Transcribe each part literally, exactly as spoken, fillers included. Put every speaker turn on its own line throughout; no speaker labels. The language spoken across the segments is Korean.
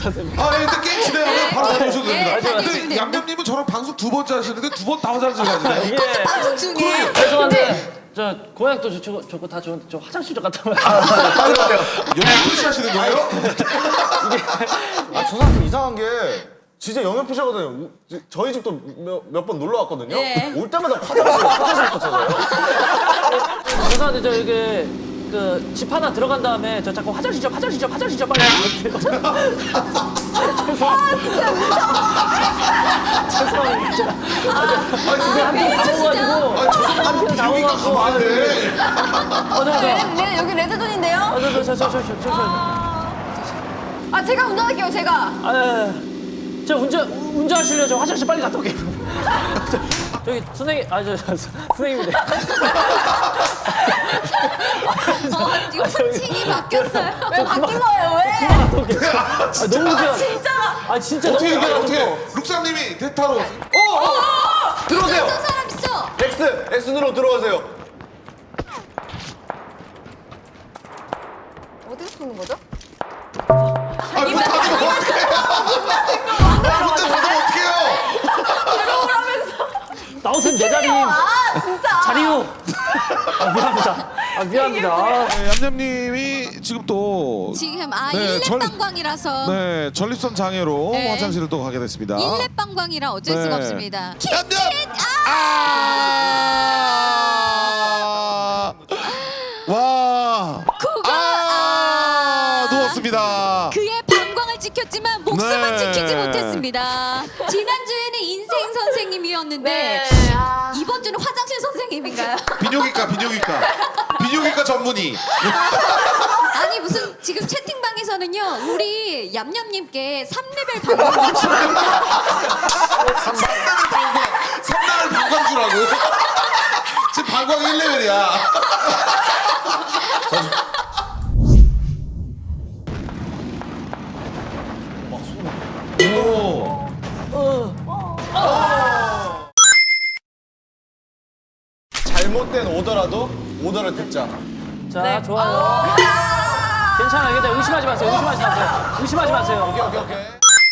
선생님.
아, 예, 일단 게임 진행하면 바로 가져오셔도 됩니다.
예,
근데
알겠습니다.
양념님은 저랑 방송 두 번째 하시는데 두 번 다 화장실 가시네요.
예.
방송 중에.
죄송한데 저 고향도 좋고 좋고 다 좋은데 저 화장실 좀 갔다 와요.
여기 표시하시는 거예요?
아, 저 사람 좀 이상한 게 진짜 영역 표시하거든요. 저희 집도 몇 번 놀러 왔거든요.
네.
올 때마다 화장실, 화장실부터 찾아요.
죄송한데 저 이게 그 집 하나 들어간 다음에 저 자꾸 화장실 좀 화장실 좀 화장실 좀 빨리 하세요. 죄송합니다. 죄송합니다. 근데 한편 당황가지고
아, 저도 여기가 가만한데.
맞아 맞아.
네, 여기 레드존인데요?
저저저저저저
아, 제가 운전할게요, 제가.
아, 저 운전 운전하실래요? 저 화장실 빨리 갔다 올게요. 저, 저기 선생님, 아 저 선생님인데.
어, 이거 호칭이 바뀌었어요. 왜 바뀐 거예요, 왜?
갔다 올게요. 아 너무 웃겨.
진짜.
아 진짜 너무
어떻게,
웃겨가지고.
어떻게. 룩상님이 대타로.
어, 어! 들어오세요.
어떤 사람 있어?
X, X누로 들어오세요.
어디서 쓰는 거죠?
아, 문 닫으면 어떡해요? 문 닫으면 어떡해요?
나오세요 내 자리.
아, 진짜.
자리요. 아 미안합니다. 아 미안합니다. 아.
네, 얌얌님이 지금 또
지금 아
네,
일렙
전-
방광이라서
네, 전립선 장애로
네.
화장실을 또 가게 됐습니다.
일렙 방광이라 어쩔
네.
수가 없습니다.
얌얌!
아!
아! 와!
그가
아!
아!
누웠습니다.
그의 방광을 지켰지만 목숨은
네.
지키지 못했습니다. 지난주에는 인생 선생님이었는데
네. 아.
이번 주는 화장실 선생님인가요?
비뇨기과, 비뇨기과. 비뇨기과 전문의.
아니 무슨 지금 채팅방에서는요 우리 얌얌님께 삼 레벨 방광
삼 단을 방광, 삼 단을 방광주라고. 지금 방광 일 레벨이야. 오.
잘못된 오더라도 오더를 듣자.
자
네.
좋아요. 괜찮아요. 괜찮아요. 의심하지 마세요. 의심하지 마세요. 의심하지 마세요.
오케이, 오케이, 오케이.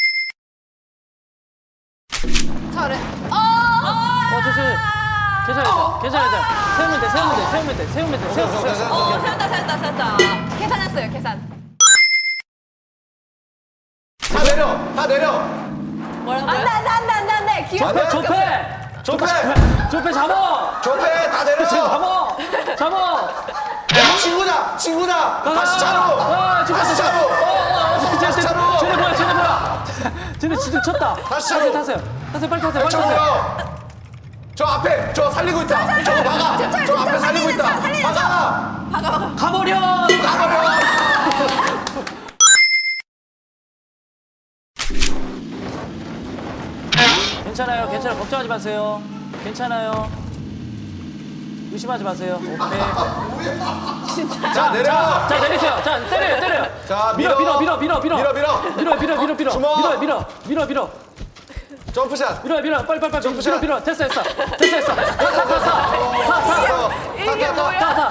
잘해.
어 됐어요. 괜찮아요. 괜찮아요. 괜찮아요. 세우면 돼. 세우면 돼. 세우면 돼. 세우면 돼. 세우면 돼. 세우면 돼.
어, 세웠다, 세웠다, 세웠다. 계산했어요, 계산.
다 내려, 다 내려.
뭐라고요? 안 돼, 안 돼, 안 돼, 안 돼, 안 돼. 기억
조패 조패.
조패,
조패 잡아.
조패, 다 내려.
잡아. 잡아.
야, 친구다, 친구다. 다시 차로.
아, 지금
다시 차로.
다시
차로.
쟤네 뭐야? 쟤네 뭐야? 쟤네 진짜 쳤다.
다시 차로.
타세요. 타세요. 빨리 타세요. 빨리 타세요.
저요. 저 앞에 저 살리고 있다. 저거 막아.
저,
저
저,
앞에
저
살리고
살리는
있다.
차, 살리는
막아.
가버려.
가버려.
괜찮아요. 괜찮아요. 걱정하지 마세요. 괜찮아요. 의심하지 마세요. 오케이.
자, 내려.
자, 자 내리세요. 자 때려요. 때려요.
자,
밀어 밀어 밀어 밀어 밀어
밀어, 밀어.
밀어 밀어 밀어 밀어
주먹.
밀어 밀어 밀어 밀어
점프샷.
밀어 밀어 빨리 빨리 빨리 밀어
점프샷.
밀어 됐어 됐어 됐어 됐어 타타타타타타타
이게 뭐야?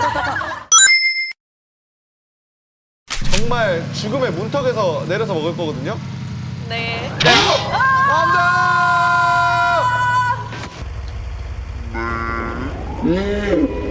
정말 죽음의 문턱에서 내려서 먹을 거거든요.
네.
안돼.